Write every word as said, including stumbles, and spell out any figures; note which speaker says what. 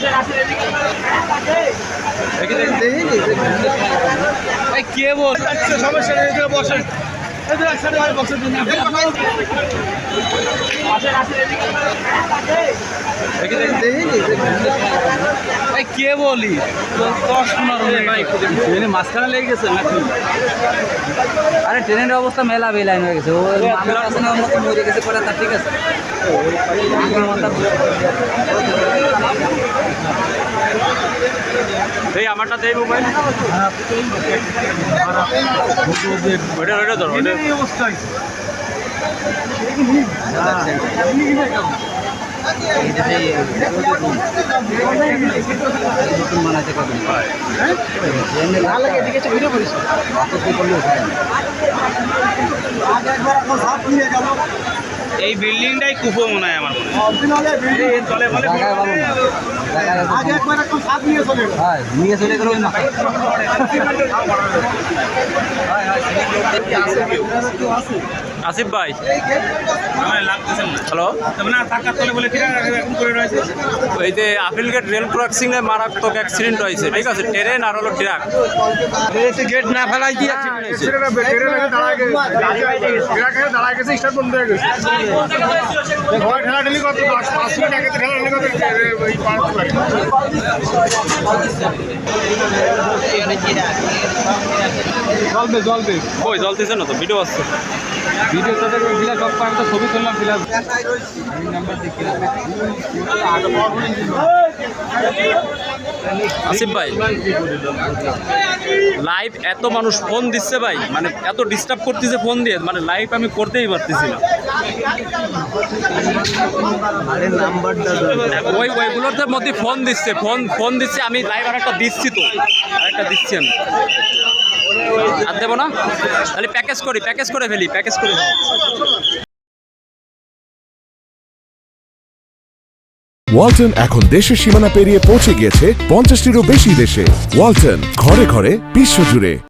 Speaker 1: কে বল সমস্যা নেই বসেন কে বলি দশ পনেরো ট্রেনে মাঝখানে লেগে গেছে নাকি?
Speaker 2: আরে ট্রেনের অবস্থা মেলা বেলাইন হয়ে গেছে, ও মরে গেছে পরে তার ঠিক আছে।
Speaker 1: এই আমারটা দেই মোবাইল ওটা ওটা ধরো ওটা অবস্থায় এই বিল্ডিংটাই কুপো মনে হয় আমার
Speaker 2: নিয়ে চলে গেল
Speaker 1: আসিফ ভাই হ্যালো ওই যে আপিলগেট রেল ক্রসিং এ মারাত্মক অ্যাক্সিডেন্ট হয়েছে, ঠিক আছে, ট্রেন আর হলো ট্রাক গেট না ফেলাই দিয়ে জলবে জলবে ওই জলতেছে না তো, ভিডিও আসছে ভিডিও তো দেখবে ফিলাস সব পারে তো ছবি তুললাম ফিলাস নাম্বার দেখলাম। আসিফ ভাই লাইভ এত মানুষ ফোন দিচ্ছে ভাই, মানে এত ডিস্টার্ব করতেছে ফোন দিয়ে, মানে লাইভ আমি করতেই পারতেছি না। ওই ওইগুলোর মধ্যে ফোন দিচ্ছে ফোন ফোন দিচ্ছে আমি লাইভ আর একটা দিচ্ছি তো আরেকটা দিচ্ছি আমি আর দেবো না, তাহলে প্যাকেজ করি প্যাকেজ করে ফেলি প্যাকেজ করে
Speaker 3: ওয়ালটন এখন দেশের সীমানা পেরিয়ে পৌঁছে গিয়েছে পঞ্চাশটিরও বেশি দেশে। ওয়ালটন, ঘরে ঘরে বিশ্বজুড়ে।